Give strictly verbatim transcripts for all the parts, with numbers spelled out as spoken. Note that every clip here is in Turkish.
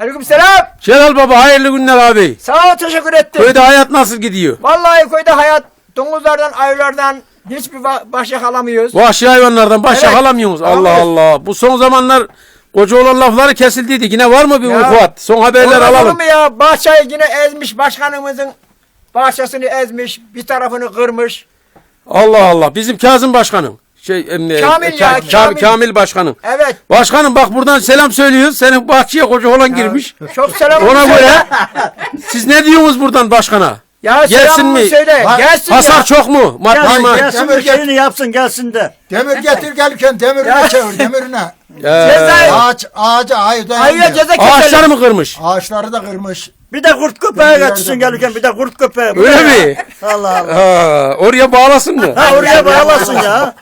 Aleykümselam. Celal Baba hayırlı günler abi. Sağ ol, teşekkür ettim. Köyde hayat nasıl gidiyor? Vallahi köyde hayat domuzlardan, ayılardan hiçbir ba- başa alamıyoruz. Vahşi hayvanlardan başa Evet, alamıyorsunuz. Allah alamıyoruz. Allah. Bu son zamanlar koca olan lafları kesildiydi. Yine var mı bir Ya, vukuat? Son haberler Olur alalım. mu ya? Bahçeyi yine ezmiş, başkanımızın bahçesini ezmiş, bir tarafını kırmış. Allah Allah. Bizim Kazım Başkanım. Şey, em, Kamil e, ya, Ka- Kamil. Kamil. Kamil Başkanım. Evet. Başkanım bak buradan selam söylüyoruz. Senin bahçeye koca olan girmiş. Çok selam Ona söyle. göre siz ne diyorsunuz buradan başkana? Ya Gelsin selamımı mi? söyle. Bak, Gelsin Hasar ya. çok mu? Maddi Gelsin, ma- gelsin Demir bir şeyini yapsın gelsin de. Demir getir gelirken demirine çevir demirine. Ee, Ceza- Ağaç, ağaca ayı Ayıya dayanmıyor. ceza keselim. ağaçları mı kırmış? Ağaçları da kırmış. Bir de kurt köpeği getirsin gelirken bir de kurt köpeği. Bu Öyle ne ya? mi? Allah Allah. Ha, oraya bağlasın mı? Ha oraya bağlasın ya.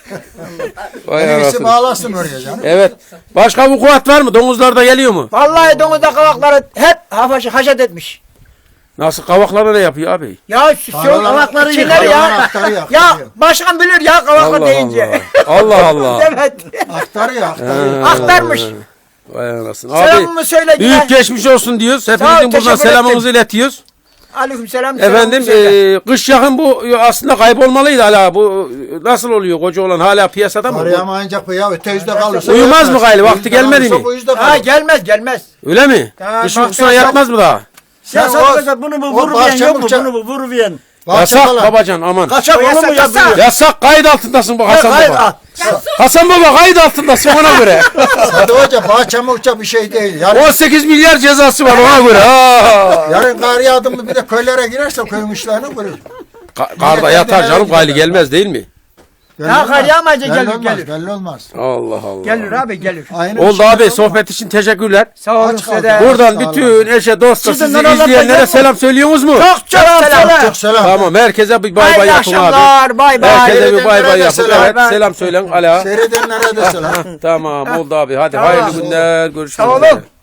Vay En iyisi anasını. bağlasın oraya canım. Evet. Başka vukuat var mı? Domuzlar da geliyor mu? Vallahi domuzda kavakları hep hafaşı haşet etmiş. Nasıl kavaklara ne yapıyor abi? Ya şu şu Kavakları kavakları yıkıyor, çiğner ya. aktarı yakıyor. Ya başkan bilir ya kavaklar Allah deyince. Allah. Allah Allah. Evet. Aktarıyor aktarıyor. Aktarmış. Vay anasını. Abi Selamımı söyle yine. büyük geçmiş olsun diyoruz. Sağ ol, Hepinizin buradan teşekkür selamımızı iletiyoruz. Aleykümselam. Efendim selamımı söyle. e, kış yakın bu aslında kaybolmalıydı hala. Bu e, nasıl oluyor koca olan hala piyasada mı? Bu- Arayamayınca bu ya öte yüzde kalırsa. Uyumaz mı ölmez. gayrı? Vakti Yüzde gelmedi kalırsa mi? Bu yüzde Ha kalır. gelmez gelmez. Öyle mi? Ya, Kış bak, uykusuna ben- yatmaz mı daha? Sen Sen sadece o- bunu bu o vuruviyen bahçe yok mu? mıhça- Bunu bu vuruviyen. Yasak Bahçe babacan aman. Kaçak O onu mu yasak, yasak. yapıyor? Yasak kayıt altındasın bu Hasan Hayır, baba. ah. Hasan baba kayıt altındasın ona göre. Hadi hoca bahçe muhça bir şey değil. Yarın, on sekiz milyar cezası var ona göre. Ha. yarın kar yağdı mı bir de köylere girerse köyün işlerini görür. Ka- karda yatar canım gayli gelmez değil mi? Belli Ya olmaz. kar yağmayınca Belli gelir, olmaz, gelir. Belli olmaz. Allah Allah. Gelir abi gelir. Aynı Oldu şey abi olmaz. sohbet için teşekkürler. Sağ olun Aç size kaldı. de. Buradan sağ olun. bütün eşe dosta Sizin sizi oralarda izleyenlere yok mu? selam söylüyorsunuz mu? Çok çok selam. Çok selam. Tamam herkese bir bay bay Hayırlı yapın abi. akşamlar. Bay bay. Herkese bir bay bay Seyredenlere de yapın. selam. Evet Ben- selam söylen ala. Seyredenlere de selam. Tamam oldu abi hadi Tamam. hayırlı günler görüşmek Sağ olun. üzere.